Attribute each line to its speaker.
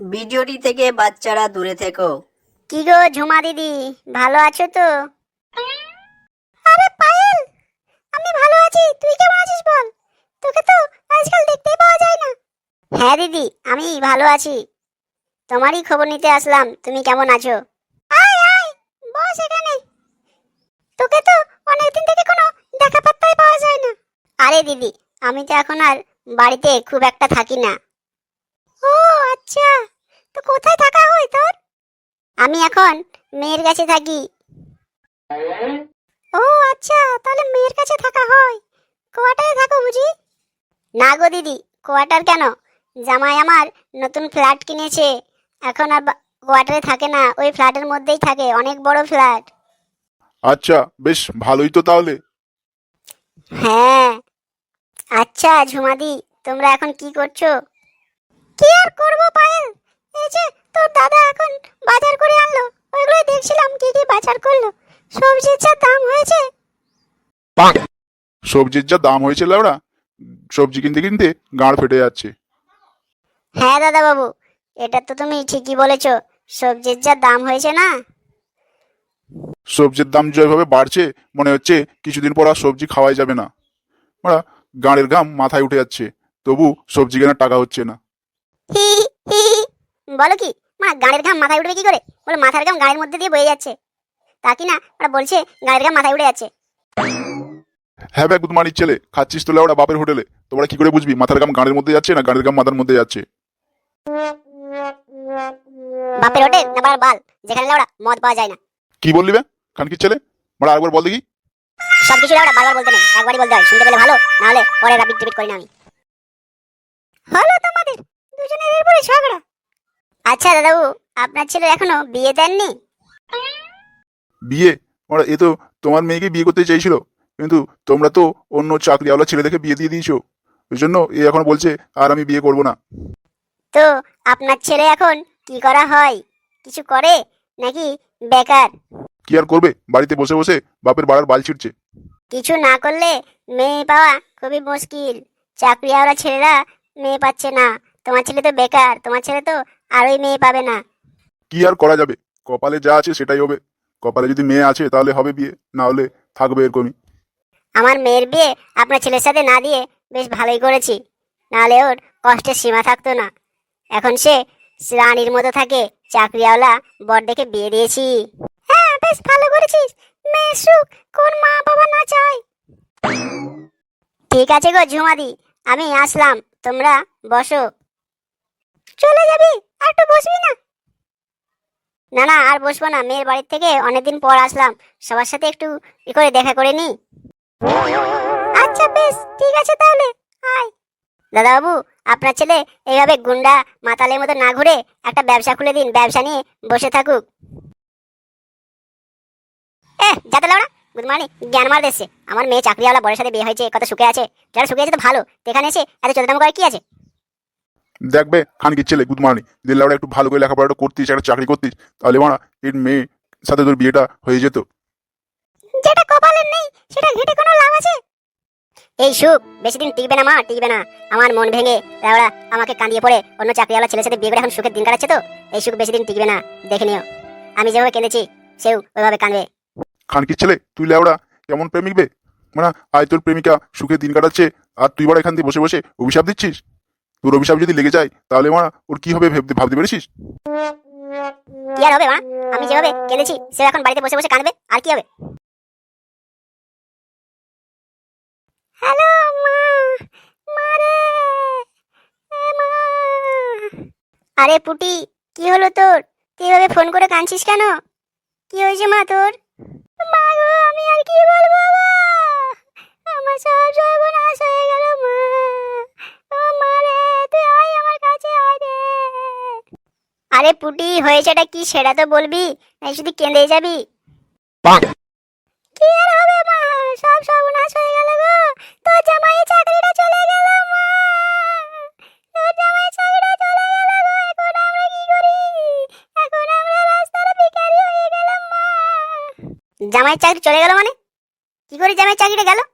Speaker 1: ভিডিওটি থেকে বাচ্চারা দূরে থেকো।
Speaker 2: কি গো ঝুমা দিদি, ভালো আছো তো? আরে পায়েল, আমি ভালো আছি, তুই কেমন আছিস বল? তোকে তো আজকাল দেখতেই পাওয়া যায় না। হ্যাঁ দিদি, আমি ভালো আছি, তোমারই খবর নিতে আসলাম, তুমি কেমন আছো? আয় আয়, বস এখানে। তোকে তো অনেকদিন থেকে কোনো দেখা পাত্তাই পাওয়া যায় না। আরে দিদি, আমি তো এখন আর বাড়িতে খুব একটা থাকি না। ও আচ্ছা, তো কোথায় থাকা হয় তোর? আমি এখন মেয়ের কাছে থাকি। ও আচ্ছা, তাহলে মেয়ের কাছে থাকা হয়। কোয়ার্টারে থাকো বুঝি? না গো দিদি, কোয়ার্টার কেন, জামাই আমার নতুন ফ্ল্যাট কিনেছে, এখন আর কোয়ার্টারে থাকে না, ওই ফ্ল্যাটের মধ্যেই থাকে, অনেক বড় ফ্ল্যাট।
Speaker 3: আচ্ছা, বেশ ভালোই তো তাহলে।
Speaker 2: হ্যাঁ। আচ্ছা ঝুমাদি, তোমরা এখন কি করছো? কি আর করবো পায়েল, এই যে তোর দাদা এখন বাজার করে আনলো, ওইগুলো দেখছিলাম কি কি বাজার করলো। সবজির যা দাম হয়েছে।
Speaker 3: সবজির যা দাম হয়েছে লাউড়া, সবজি কিনতে কিনতে গাঁড় ফেটে যাচ্ছে।
Speaker 2: হ্যাঁ দাদা বাবু, এটা তো তুমি ঠিকই বলেছো, সবজির যা দাম হয়েছে না।
Speaker 3: সবজির দাম যেভাবে বাড়ছে, মনে হচ্ছে কিছুদিন পর আর সবজি খাওয়াই যাবে না। ওরা গাঁড়ের ঘাম মাথায় উঠে যাচ্ছে, তবু সবজি কেনার টাকা হচ্ছে না।
Speaker 2: হি হি হি। বলো কি, মা গাড়ির ঘাম মাথায় উঠবে কি করে? বলে মাথার ঘাম গাড়ির মধ্যে দিয়ে বয়ে যাচ্ছে, তা কি না ওরা বলছে গাড়ির ঘাম মাথায় উঠে যাচ্ছে।
Speaker 3: হ্যাঁ ভাই, গুদমানির ছেলে, খাচ্ছিস তো লাউড়া বাপের হোটেলে, তোমরা কি করে বুঝবি মাথার ঘাম গাঁড়ের মধ্যে যাচ্ছে না গাঁড়ের ঘাম মাথার মধ্যে যাচ্ছে?
Speaker 2: বাপের হোটেল না বাড়ার বাল, যেখানে লাউড়া মদ পাওয়া যায় না।
Speaker 3: কি বললি বে খানকির ছেলে, মানে আরেকবার বল দেখি।
Speaker 2: সবকিছু লাউড়া বারবার বলতে নেই, একবারই বলতে হয়, শুনতে পেলে ভালো, না হলে পরে রাবিট টিবিট করি না আমি। হলো তোমাদের দুজনের এরপরে ঝগড়া। আচ্ছা দাদাবু, আপনার ছেলে এখনো বিয়ে দেননি?
Speaker 3: বিয়ে? ওরা এ তো তোমার মেয়েকে বিয়ে করতে চাইছিল, কিন্তু তোমরা তো অন্য চাকরিওয়ালা ছেলে দেখে বিয়ে দিয়ে দিয়েছো, ওই জন্য এ এখন বলছে আর আমি বিয়ে করব না।
Speaker 2: তো আপনার ছেলে এখন কি করা হয়, কিছু করে নাকি বেকার?
Speaker 3: কি আর করবে, বাড়িতে বসে বসে বাপের বাড়ার বাল ছিঁড়ছে।
Speaker 2: কিছু না করলে মেয়ে পাওয়া খুবই মুশকিল, চাকরিওয়ালা ছেলেরা মেয়ে পাচ্ছে না। তোমার ছেলে তো বেকার, তোমার ছেলে তো আরোই মেয়ে পাবে না।
Speaker 3: কি আর করা যাবে, কপালে যা আছে সেটাই হবে। কপালে যদি মেয়ে আছে তাহলে হবে বিয়ে, না হলে থাকবে এরকমই।
Speaker 2: আমার মেয়ের বিয়ে আপনার ছেলের সাথে না দিয়ে বেশ ভালোই করেছি, নাহলে ওর কষ্টের সীমা থাকতো না। এখন সে রানীর মতো থাকে, চাকরিওয়ালা বর দেখে বিয়ে দিয়েছি। হ্যাঁ বেশ ভালো করেছিস, মেয়ের সুখ কোন মা বাবা না চায়। ঠিক আছে গো ঝুমাদি, আমি আসলাম, তোমরা বসো। চলে যাবি, আর একটু বসবি না? না না, আর বসবো না, মেয়ের বাড়ির থেকে অনেকদিন পর আসলাম, সবার সাথে একটু করে দেখা করে নি। আচ্ছা বেশ ঠিক আছে তাহলে, আয়। দাদা বাবু, আপনার ছেলে এইভাবে গুন্ডা মাতালের মতো না ঘুরে একটা ব্যবসা খুলে দিন, ব্যবসা নিয়ে বসে থাকুক। যাতে লাউড়া গুড মর্নিং, জ্ঞান মার দেশে আমার মেয়ে চাকরিওয়ালা বরের সাথে বিয়ে হয়েছে, কত সুখে আছে, যারা সুখে আছে তো ভালো, এখানে এসে এত চোদ্দাম করে কি আছে?
Speaker 3: দেখবে খানকির ছেলে গুদমানি, দিল্লাওড়া একটু ভালো করে লেখাপড়াটা করতিস, একটা চাকরি করতিস, তাহলে মানা এর মেয়ে সাথে তোর বিয়েটা হয়ে যেত।
Speaker 2: যেটা কপালের নেই সেটা ঘেটে কোনো লাভ আছে? এই সুখ বেশি দিন টিকবে না মা, টিকবে না। আমার মন ভেঙে ওরা আমাকে কাঁদিয়ে পড়ে অন্য চাকরিওয়ালা ছেলের সাথে বিয়ে করে এখন সুখের দিন কাটাচ্ছে, তো এই সুখ বেশি দিন টিকবে না, দেখে নিও। আমি যেভাবে কেঁদেছি সেও ওইভাবে কাঁদবে।
Speaker 3: খানকির ছেলে, তুই লেওড়া কেমন প্রেমিক বে, মানে আয় তোর প্রেমিকা সুখে দিন কাটাচ্ছে, আর তুই বড় এখান থেকে বসে বসে অভিশাপ দিচ্ছিস। তোর অভিশাপ যদি লেগে যায় তাহলে মারা ওর কি হবে ভাবতে পেরেছিস?
Speaker 2: কি আর হবে মা, আমি যেভাবে কেঁদেছি সে এখন বাড়িতে বসে বসে কাঁদবে, আর কি হবে? হ্যালো মা, মারে, মা। আরে পুটি, কি হলো তোর? তুই এভাবে ফোন করে কাঁদছিস কেন? কি হয়েছে মা তোর? মা গো, আমি আর কি বলবো মা, আমার সব সর্বনাশ হয়ে গেল মা। ও মা রে, তুই আয় আমার কাছে আয় রে। আরে পুটি, হয়েছেটা কি সেটা তো বলবি, নাকি শুধু কেঁদে যাবি? কি আর হবে মা, সব সর্বনাশ হয়ে গেল গো, তোর জামাইয়ের চাকরিটা চলে গেল মা, তোর জামাইয়ের চাকরিটা চলে গেল গো, এখন আমরা কি করি? এখন আমরা রাস্তার ভিখারি হয়ে গেলাম মা। জামাইয়ের চাকরি চলে গেল মানে? কি করে জামাইয়ের চাকরিটা গেল?